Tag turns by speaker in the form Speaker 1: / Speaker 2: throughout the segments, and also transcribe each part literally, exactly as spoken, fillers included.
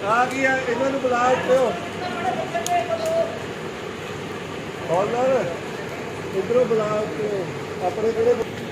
Speaker 1: ਆ ਗਈ ਆ ਇਹਨਾਂ ਨੂੰ ਬੁਲਾ ਇੱਥੇ ਹੌਲਦਾਰ ਇੱਧਰੋਂ ਬੁਲਾ ਇੱਥੇ ਆਪਣੇ ਕਿਹੜੇ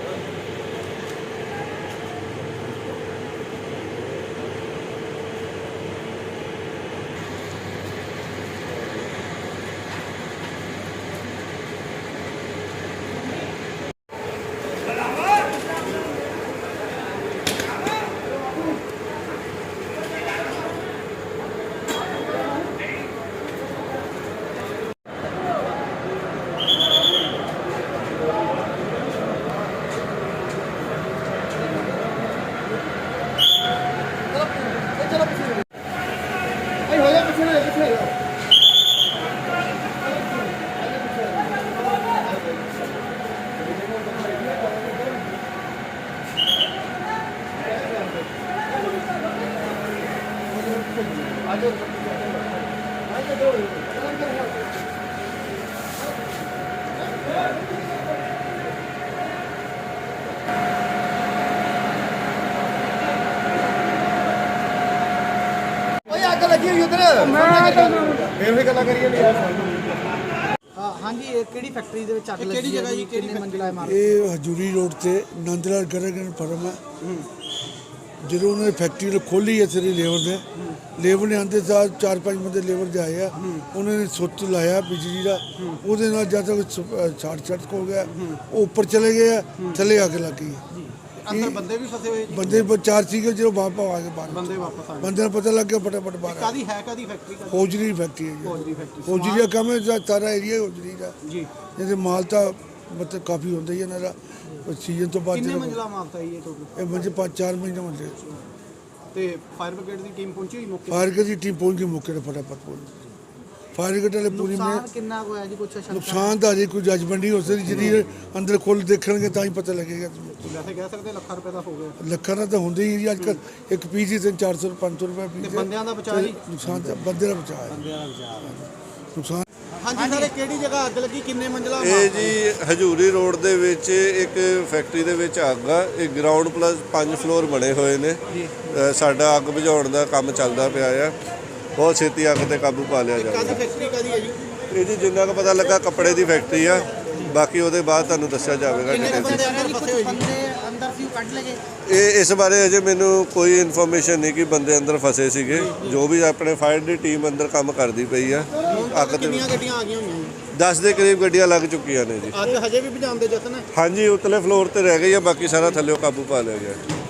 Speaker 1: लगी हुई उधर फिर भी गल्लां करिए नहीं यार।
Speaker 2: हाँ जी ये केड़ी फैक्ट्री दे विच अग लगी जगह जी कितनी मंजिला इमारत
Speaker 3: ये हजूरी रोड से नंदलाल गरगन फर्म है जो उन्होंने फैक्ट्री खोली है सारी लेबर ने लेबर ने आते साथ चार पाँच बंदे लेबर के आए उन्होंने सुच लाया बिजली का वो जब तक शार्ट सर्किट हो गया वो ऊपर चले गए थले आके लग गई
Speaker 2: अंदर बंदे भी फसे हुए
Speaker 3: बंदे चार सीगे जो वापस आ गए बाहर
Speaker 2: बंदे वापस आ गए
Speaker 3: बंदे पता लग गया फटाफट बाहर
Speaker 2: कादी है कादी फैक्ट्री का
Speaker 3: होजरी फैक्ट्री है
Speaker 2: होजरी फैक्ट्री
Speaker 3: होजरी का काम है सारा एरिया होजरी का
Speaker 2: जी
Speaker 3: जैसे माल तो मतलब काफ़ी होता ही है ना सीजन तो बाद
Speaker 2: कितनी मंजिला माल था ये टोटल
Speaker 3: ये मंजिल पाँच चार महीने मंजिल
Speaker 2: ते फायर ब्रिगेड की टीम पहुंची हुई मौके
Speaker 3: फायर ब्रिगेड की टीम पहुंच गई मौके पर फटाफट पहुंच फायर ब्रिगेड वाले पूरी में
Speaker 2: नुकसान कितना को है जी कुछ शंका
Speaker 3: नुकसान तो अजे कोई जजमेंट नहीं हो सकती जी अंदर खोल देखणगे तां ही पता लगेगा
Speaker 2: वैसे कह सकते ਲੱਖਾਂ ਰੁਪਏ ਦਾ ਹੋ ਗਿਆ
Speaker 3: ਲੱਖਾਂ ਦਾ ਤਾਂ ਹੁੰਦਾ ਹੀ ਜੀ ਅੱਜ ਕੱਲ੍ਹ ਇੱਕ ਪੀਸ ਹੀ ਤਿੰਨ ਚਾਰ ਸੌ ਪੰਜ ਸੌ ਰੁਪਏ ਪੀਸ
Speaker 2: ਤੇ ਬੰਦਿਆਂ ਦਾ ਬਚਾਅ ਜੀ
Speaker 3: ਨੁਕਸਾਨ ਤਾਂ ਬੰਦੇ ਦਾ ਬਚਾਅ ਹੈ
Speaker 2: ਬੰਦਿਆਂ ਦਾ ਬਚਾਅ
Speaker 3: ਨੁਕਸਾਨ
Speaker 2: ਹਾਂਜੀ ਸਰ ਕਿਹੜੀ ਜਗ੍ਹਾ ਅੱਗ ਲੱਗੀ ਕਿੰਨੇ ਮੰਜ਼ਲਾ
Speaker 1: ਇਹ ਜੀ ਹਜੂਰੀ ਰੋਡ ਦੇ ਵਿੱਚ ਇੱਕ ਫੈਕਟਰੀ ਦੇ ਵਿੱਚ ਅੱਗ ਆ ਇਹ ਗਰਾਊਂਡ ਪਲੱਸ ਪੰਜ ਫਲੋਰ ਬਣੇ ਹੋਏ ਨੇ ਅ, ਸਾਡਾ ਅੱਗ ਬੁਝਾਉਣ ਦਾ ਕੰਮ ਚੱਲਦਾ ਪਿਆ ਆ ਬਹੁਤ ਛੇਤੀ ਅੱਗ ਤੇ ਕਾਬੂ ਪਾ ਲਿਆ ਜਾਊਗਾ
Speaker 2: ਕਾਦੀ ਫੈਕਟਰੀ ਕਾਦੀ ਹੈ ਜੀ
Speaker 1: ਇਹ ਜੀ ਜਿੰਨਾ ਕੁ ਪਤਾ ਲੱਗਾ ਕੱਪੜੇ ਦੀ ਫੈਕਟਰੀ ਆ ਬਾਕੀ ਉਹਦੇ ਬਾਅਦ ਤੁਹਾਨੂੰ ਦੱਸਿਆ ਜਾਵੇਗਾ
Speaker 2: ਕਿੰਨੇ
Speaker 1: ਡਿਟੇਲ
Speaker 2: ਬੰਦੇ ਅੰਦਰ ਫਸੇ ਹੋਏ ਬੰਦੇ ਅੰਦਰ ਸੀ ਕੱਢ ਲਗੇ
Speaker 1: ਇਹ ਇਸ ਬਾਰੇ ਅਜੇ ਮੈਨੂੰ ਕੋਈ ਇਨਫੋਰਮੇਸ਼ਨ ਨਹੀਂ ਕਿ ਬੰਦੇ ਅੰਦਰ ਫਸੇ ਸੀਗੇ ਜੋ ਵੀ ਆਪਣੇ ਫਾਇਰ ਦੀ ਟੀਮ ਅੰਦਰ ਕੰਮ ਕਰਦੀ ਪਈ ਆ ਅੱਗ ਤੇ
Speaker 2: ਕਿੰਨੀਆਂ ਗੱਡੀਆਂ ਆ ਗਈਆਂ ਹੋਈਆਂ ਜੀ
Speaker 1: ਦਸ ਦੇ ਕਰੀਬ ਗੱਡੀਆਂ ਲੱਗ ਚੁੱਕੀਆਂ ਨੇ ਜੀ
Speaker 2: ਅੱਗ ਹਜੇ ਵੀ ਬੁਝਾਉਣ ਦੇ ਯਤਨ ਹੈ
Speaker 1: ਹਾਂਜੀ ਉਤਲੇ ਫਲੋਰ ਤੇ ਰਹਿ ਗਈ ਆ ਬਾਕੀ ਸਾਰਾ ਥੱਲੇ ਕਾਬੂ ਪਾ ਲਿਆ ਗਿਆ